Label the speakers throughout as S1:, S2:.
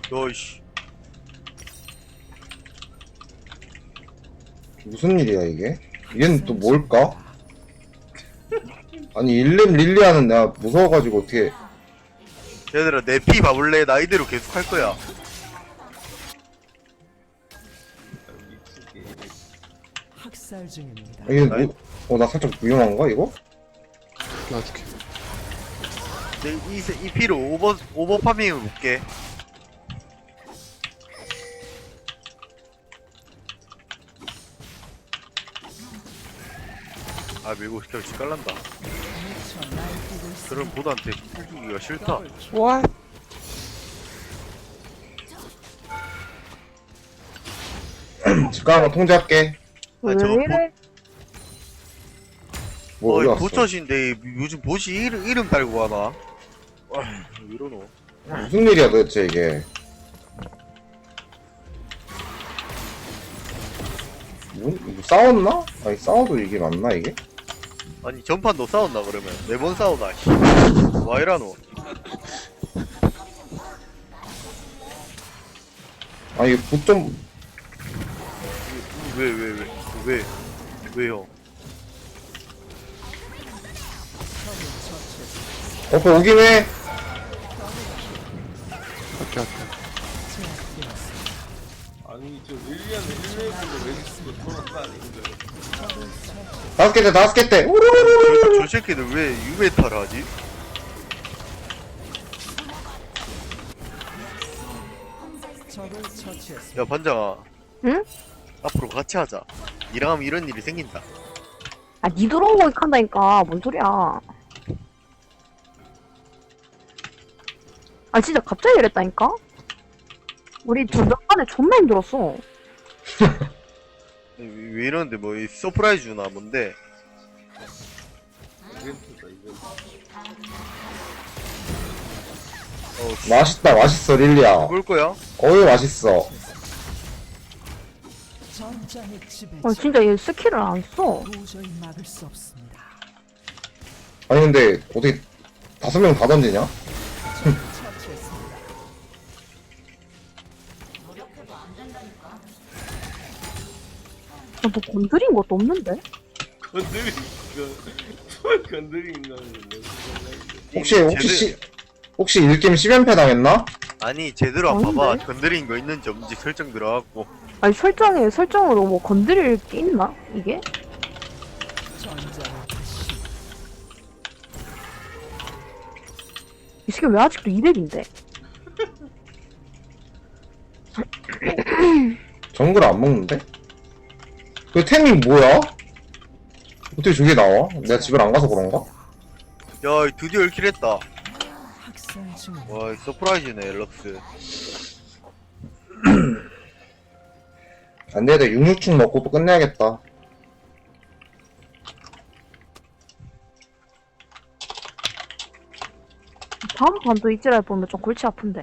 S1: 너이씨.
S2: 무슨 일이야 이게? 얘는 또 뭘까? 아니 일렘 릴리아는 내가 무서워가지고 어떻게
S1: 얘들아 내 피 봐볼래? 나 이대로 계속 할 거야.
S3: 학살 중입니다.
S2: 이게 뭐, 나 살짝 위험한가 이거?
S4: 놔줄게.
S1: 이 피로 오버 파밍을 볼게. 아 밀고 시켜 깔란다.
S3: 미쳐 날뛰고 있습니다.
S1: 그런 보드한테 풀기가 싫다.
S4: What?
S2: 집가는 거 통제할게.
S1: 아, 저거
S5: 이래?
S2: 뭐 어디 갔어?
S1: 보처신데 요즘 보시 이름 달고 가나? 아, 왜 이러노?
S2: 무슨 일이야 도대체 이게? 뭐 싸웠나? 아니 싸워도 이게 맞나 이게?
S1: 아니 전판 너 싸웠나 그러면? 매번 싸우나? 씨. 와 이라노?
S2: 아 이게 보좀
S1: 왜요?
S2: 옆에 오긴 해.
S4: 할게, 할게.
S6: 아니 저 릴리아는 1레벨로 왜 돌아가 아닌데.
S2: 다섯 개 때.
S1: 저 새끼들 왜 유메타를 하지?
S3: 적을 처치했습니다.
S1: 야 반장아.
S5: 응?
S1: 앞으로 같이 하자. 니랑 하면 이런 일이 생긴다.
S5: 아, 니 들어온 거 한다니까. 뭔 소리야. 아, 진짜 갑자기 이랬다니까? 우리 전전반에 존나 힘들었어.
S1: 왜 이러는데 뭐 이 서프라이즈 주나 뭔데?
S6: 이벤트다 이벤트.
S2: 맛있어 릴리아.
S1: 볼 거야?
S2: 어이 맛있어.
S3: 전장의 지배.
S5: 아, 진짜 얘 스킬을 안 써.
S3: 도저히 막을 수 없습니다.
S2: 아니 근데 어떻게 5명 다 던지냐?
S3: 적을 처치했습니다.
S5: 아, 뭐 건드린 것도 없는데?
S6: 건드린 거 건드린 거는
S2: 혹시 1게임 10연패 당했나?
S1: 아니 제대로 안
S5: 아닌데?
S1: 봐봐. 건드린 거 있는지 없는지 설정 들어가고.
S5: 아니, 설정으로 뭐 건드릴 게 있나? 이게?
S3: 전장의 다시
S5: 이 새끼 왜 아직도 200인데?
S2: 정글 안 먹는데? 그 템이 뭐야? 어떻게 저게 나와? 내가 집을 안 가서 그런가?
S1: 야 드디어 1킬 했다.
S3: 학살 중입니다.
S1: 와 서프라이즈네 럭스.
S2: 안 돼, 내가 66충 먹고 또 끝내야겠다.
S5: 다음 판도 이지랄 보면 좀 골치 아픈데.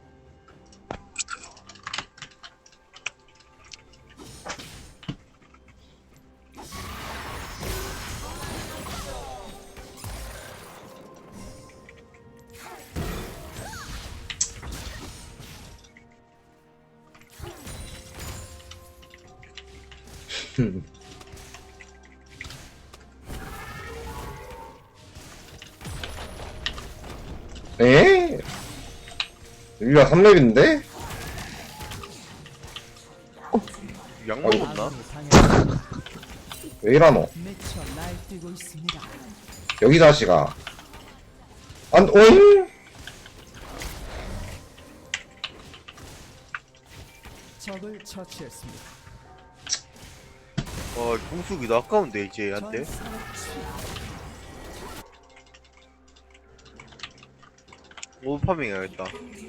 S2: 에? 릴리아 3렙인데?
S1: 약 먹었나?
S3: 아군이 당했습니다.
S2: 왜 이러노?
S3: 미쳐 날뛰고 있습니다.
S2: 여기 자식아. 오잉?
S3: 적을 처치했습니다.
S1: 와 공수기도 아까운데 이제 한테.
S3: 전사의
S1: 오버파밍 해야겠다.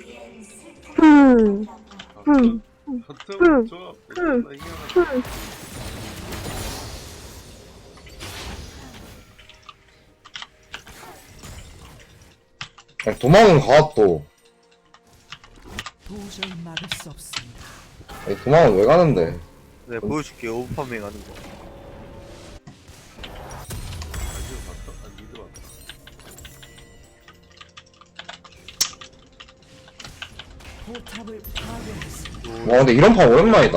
S6: 하트는 조합 존나 희한하다.
S2: 아니, 도망은 가 또.
S3: 도저히 막을 수 없습니다.
S2: 아니, 도망은 왜 가는데?
S1: 내가 보여줄게 오버파밍 하는 거.
S6: 아직 봤어? 아 미드 봤어.
S3: 포탑을 파괴했습니다.
S2: 와 근데 이런 판 오랜만이다.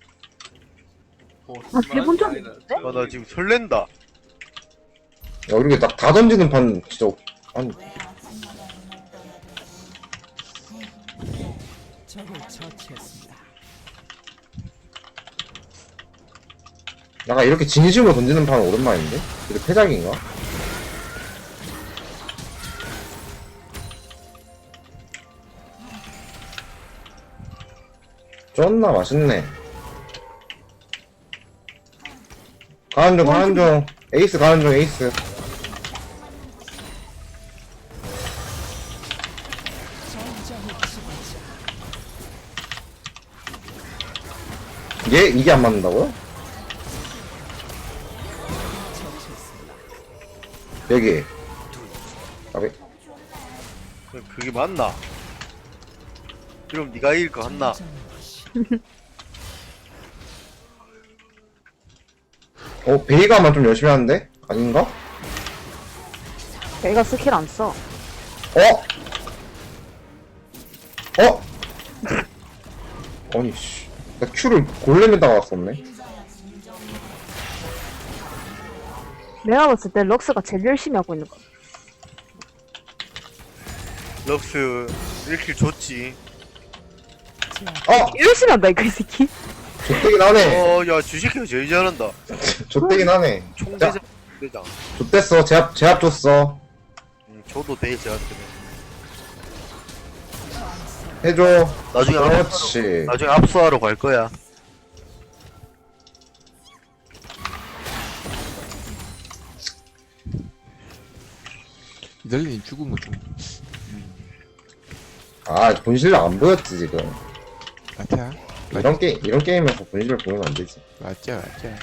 S5: 아, 해본 적 있는데?
S1: 아, 나 지금 설렌다.
S2: 야 이렇게 다 던지는 판 진짜 아니
S3: 적을 처치했습니다.
S2: 약간 이렇게 진심으로 던지는 판 오랜만인데? 이게 패작인가? 쩐나 맛있네. 가는 중. 에이스 가는 중, 에이스.
S3: 전장의 지배자.
S2: 이게 안 맞는다고요?
S3: 처치했습니다.
S2: 여기. 아베.
S1: 그게 맞나? 그럼 네가 이길 거 같나?
S2: 베이가만 좀 열심히 하는데? 아닌가?
S5: 얘가 스킬 안 써.
S2: 아니, 씨. 나 Q를 골렘에다가 왔었네.
S5: 내가 봤을 때 럭스가 제일 열심히 하고 있는 거.
S1: 럭스 1킬 줬지.
S5: 열심히 한다, 이거, 이 새끼.
S2: 좆되긴 하네.
S1: 야, 주식회가 제일 잘한다.
S2: 좆되긴 하네.
S1: 총대장, 대장.
S2: 좆됐어. 제압 줬어.
S1: 저도 돼, 제한테는.
S2: 해줘.
S1: 나중에
S2: 그렇지.
S1: 나중에 압수하러 갈 거야.
S4: 이달리는 죽은 거 좀.
S2: 아, 본실력 안 보였지, 지금.
S4: 맞아.
S2: 이런 게임에서 본실력 보이면 안 되지.
S4: 맞아.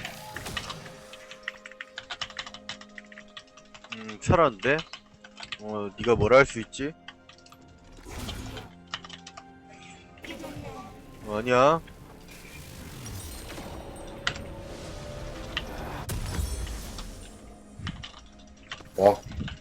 S1: 살았는데? 네가 뭘 할 수 있지? 아니야.
S2: 와.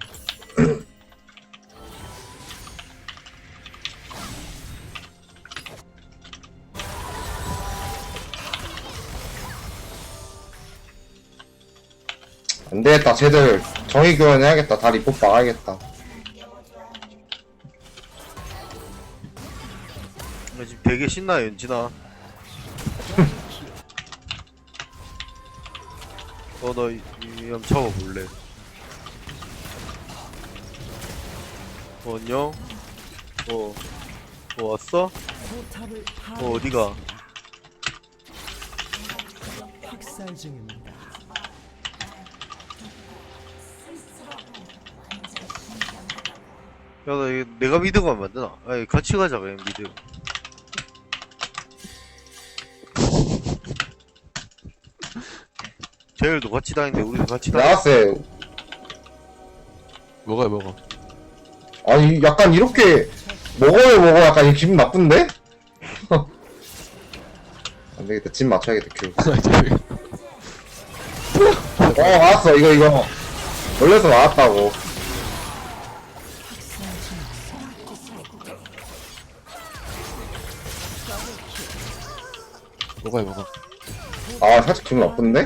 S2: 안 되겠다, 쟤들 정의 교환해야겠다. 다 리포 박아야겠다.
S1: 나 지금 되게 신나, 연진아. 너 한번 잡아볼래? 안녕? 왔어?
S3: 포탑을
S1: 어디가?
S3: 학살 중입니다.
S1: 야, 나 이거 내가 미드 가면 안 되나? 아니, 같이 가자, 그냥 미드. 쟤들도 같이 다니는데 우리도 같이 다니.
S2: 나왔어요.
S4: 먹어.
S2: 아니, 약간 이렇게 먹어. 약간 이 기분 나쁜데? 안 되겠다. 집 맞춰야겠다, 큐. 나왔어. 이거. 원래서 나왔다고.
S4: 먹어.
S2: 아, 살짝 기분 나쁜데?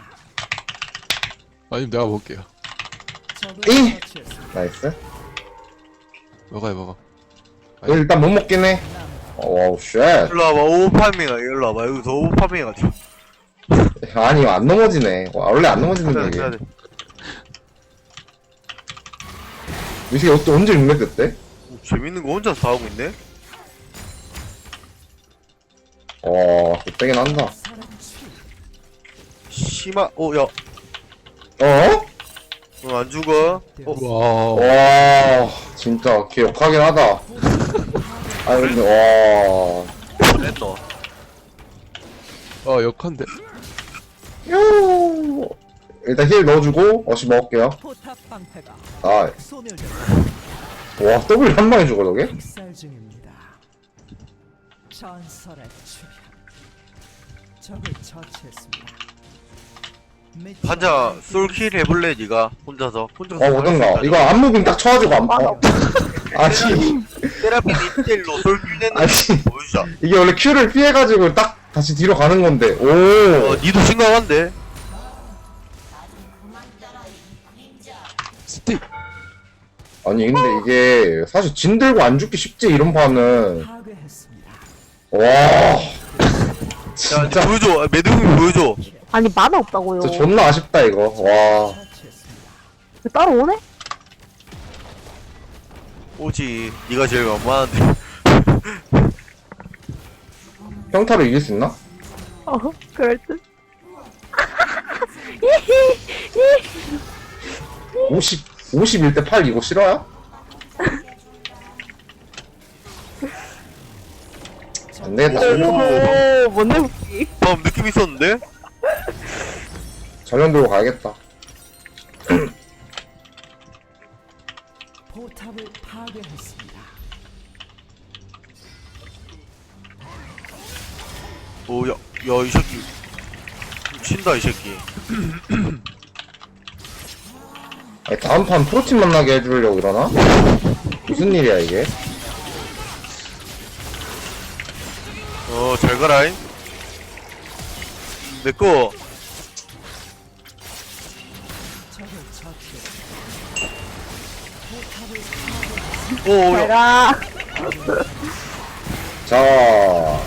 S4: 아니 내가 먹을게요.
S3: 적을
S2: 이!
S3: 처치했습니다.
S2: 나이스.
S4: 먹어.
S2: 이거 일단 못 먹긴 해. 와우, 쉣.
S1: 일로 와봐, 오버파밍아, 일로 와봐. 여기서 오버파밍해가지고.
S2: 아니, 이거 안 넘어지네. 원래 안 넘어지는
S1: 해야
S2: 게
S1: 돼,
S2: 이게.
S1: 해야 돼.
S2: 이 새끼 언제 6렙 됐대?
S1: 재밌는 거 혼자서 다 하고 있네?
S2: 못되긴 한다.
S3: 사람 치.
S1: 심하, 야, 안 죽어?
S4: 와.
S2: 와, 진짜 기억하긴 하다. 아니, 근데,
S1: 됐노?
S4: 역한데.
S2: 요. 일단 힐 넣어주고, 먹을게요.
S3: 포탑 방패가
S2: 아,
S3: 소멸됩니다.
S2: 와, W 한 방에 죽어, 저게?
S3: 학살 중입니다. 전설의 출현. 적을 처치했습니다.
S1: 환자 솔킬 해볼래, 니가? 혼자서?
S2: 오든가. 이거 안무빙 딱 쳐가지고 아니,
S1: 세라핀 1대1로 솔필내는
S2: 아니.
S1: 보여주자.
S2: 이게 원래 Q를 피해가지고 딱 다시 뒤로 가는 건데. 오.
S1: 니도 심각한데?
S4: 스틱.
S2: 아니, 근데 이게 사실 진 들고 안 죽기 쉽지, 이런 판은.
S3: 파괴했습니다.
S2: 와.
S1: 야,
S2: 진짜,
S1: 보여줘. 매듭이 보여줘.
S5: 아니 만화 없다고요.
S2: 진짜 존나 아쉽다, 이거. 와.
S3: 처치했습니다.
S5: 왜 따로 오네?
S1: 오지. 니가 제일 만만한데.
S2: 평타로 이길 수 있나?
S5: 그럴 듯.
S2: 51대 8 이거 싫어요? 안 되겠다.
S5: 오, 뭔데 웃기.
S1: 방금 느낌 있었는데?
S2: 전면 들고 가야겠다.
S3: 포탑을 파괴했습니다.
S1: 오, 야, 이 새끼. 친다, 이 새끼.
S2: 아니, 다음 판 프로팀 만나게 해주려고 이러나? 무슨 일이야, 이게?
S1: 잘 가라잉. 내꺼.
S3: 적을 처치했습니다.
S1: 오, 야.
S5: 내가
S2: 자.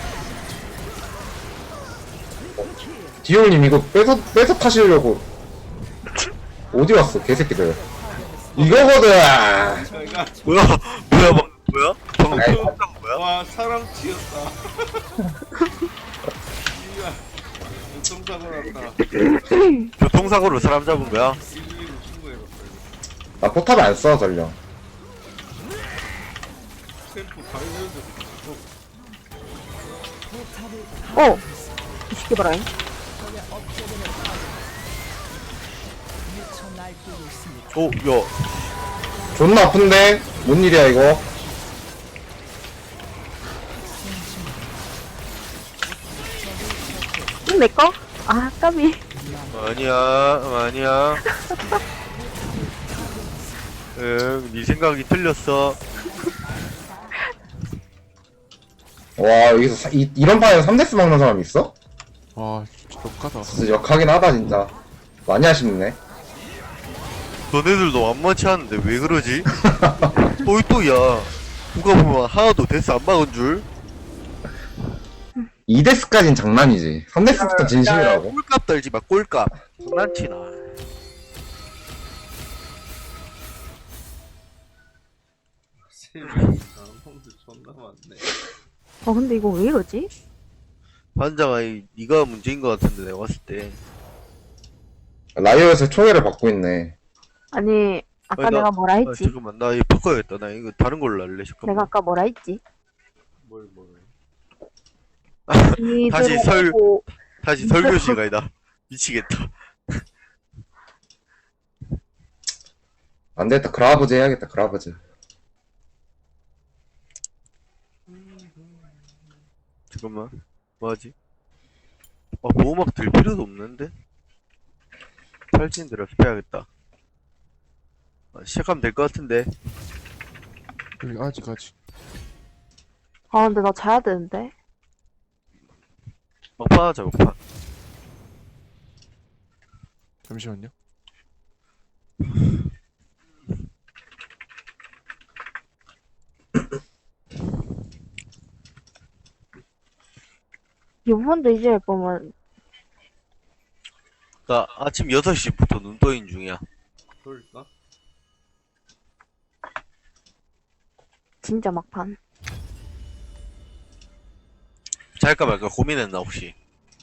S2: 디올님 이거 뺏어 타시려고. 어디 갔어, 개새끼들. 이거거든!
S1: 뭐야? 뭐야? 방금
S2: 아이,
S1: 쳤다고 뭐야?
S6: 와 사람 치였다. 이야 교통사고 났다.
S1: 교통사고로 사람 잡은 거야?
S6: 112로 신고해봤다.
S2: 나 포탑 안 써, 전령.
S6: 템포 발견도
S5: 이 새끼 봐라.
S3: 미쳐 날뛰고 있습니다.
S1: 오, 야.
S2: 존나 아픈데? 뭔 일이야, 이거?
S5: 이거 내 거? 아, 까비.
S1: 아니야. 응, 네 생각이 틀렸어.
S2: 와, 여기서 이런 판에서 3데스 막는 사람 있어?
S4: 와, 진짜 독하다.
S2: 진짜 역하긴 하다, 진짜. 많이 아쉽네.
S1: 너네들도 만만치 않은데 왜 그러지? 또야. 누가 보면 하나도 데스 안 막은 줄?
S2: 2데스까진 장난이지. 3데스부터 진심이라고.
S1: 꼴값 떨지 마, 꼴값. 장난치나.
S6: 세명이 사람도 존나 많네.
S5: 근데 이거 왜 이러지?
S1: 반장아, 니가 문제인 것 같은데 내가 봤을 때.
S2: 라이어에서 총애를 받고 있네.
S5: 아니, 아까
S1: 아니,
S5: 내가 뭐라 했지?
S1: 잠깐만, 나 이거 바꿔야겠다. 나 이거 다른 걸로 할래. 잠깐만.
S5: 내가 아까 뭐라 했지?
S6: 뭘.
S1: 다시 설-
S5: 들어오고
S1: 다시 설교 시간이다. 미치겠다.
S2: 안 되겠다. 그라브즈 해야겠다, 그라브즈.
S1: 잠깐만. 뭐하지? 보호막 들 필요도 없는데? 탈진 들어서 빼야겠다. 시작하면 될 것 같은데.
S4: 아직.
S5: 근데 나 자야 되는데.
S1: 막판 하자, 막판.
S4: 잠시만요.
S5: 이번도 이제 보면
S1: 나 아침 6시부터 눈 떠인 중이야.
S6: 그럴까?
S5: 진짜 막판.
S1: 잘까 말까 고민했나, 혹시?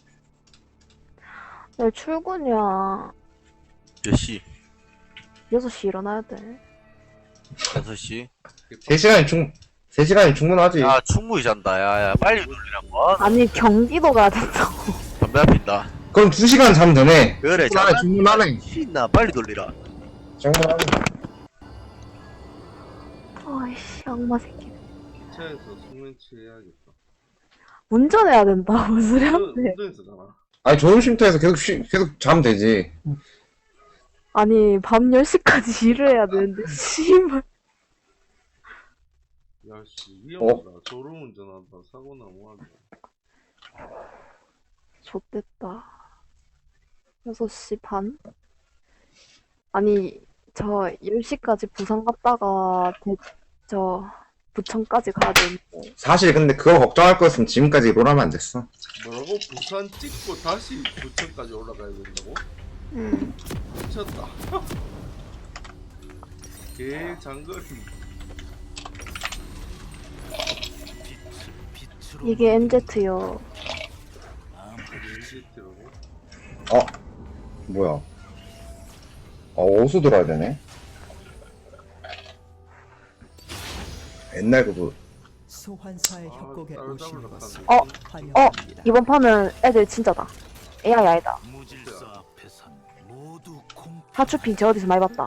S5: 내일 출근이야.
S1: 몇 시?
S5: 6시 일어나야 돼.
S1: 6시?
S2: 3시간이 충분하지.
S1: 야, 충분히 잔다. 야, 빨리 돌리라고.
S5: 아니, 경기도 가야 된다고.
S1: 담배 안 핀다.
S2: 그럼 2시간 자면 되네.
S1: 그래,
S2: 충분하네.
S1: 신나. 빨리 돌리라.
S2: 충분하네.
S5: 아이씨, 악마 새끼.
S6: 기차에서 숙면치 해야겠다.
S5: 운전해야 된다. 무슨 소리 하는데.
S6: 운전했었잖아.
S2: 아니, 좋은 쉼터에서 계속 자면 되지.
S5: 아니, 밤 10시까지 일을 해야 되는데, 씨발.
S6: 야씨 위험하다. 졸음운전한다. 사고 나면 하다.
S5: 좆됐다. 6시 반? 아니, 저 10시까지 부산 갔다가 부천까지 가야 되는데.
S2: 사실 근데 그거 걱정할 거였으면 지금까지 롤하면 안 됐어.
S6: 뭐라고? 부산 찍고 다시 부천까지 올라가야 된다고? 미쳤다. 개 장거리.
S5: 이게 MZ요.
S6: LGT라고?
S2: 뭐야? 어디서 들어야 되네? 옛날 그거
S3: 소환사의 협곡에
S6: 다른
S3: 오신
S6: 사람을
S3: 것을
S6: 갖다
S3: 환영합니다.
S5: 이번 판은 애들 진짜다. AI 아니다.
S7: 무질서 앞에선 모두 공
S5: 하추핑 저 어디서 많이 봤다.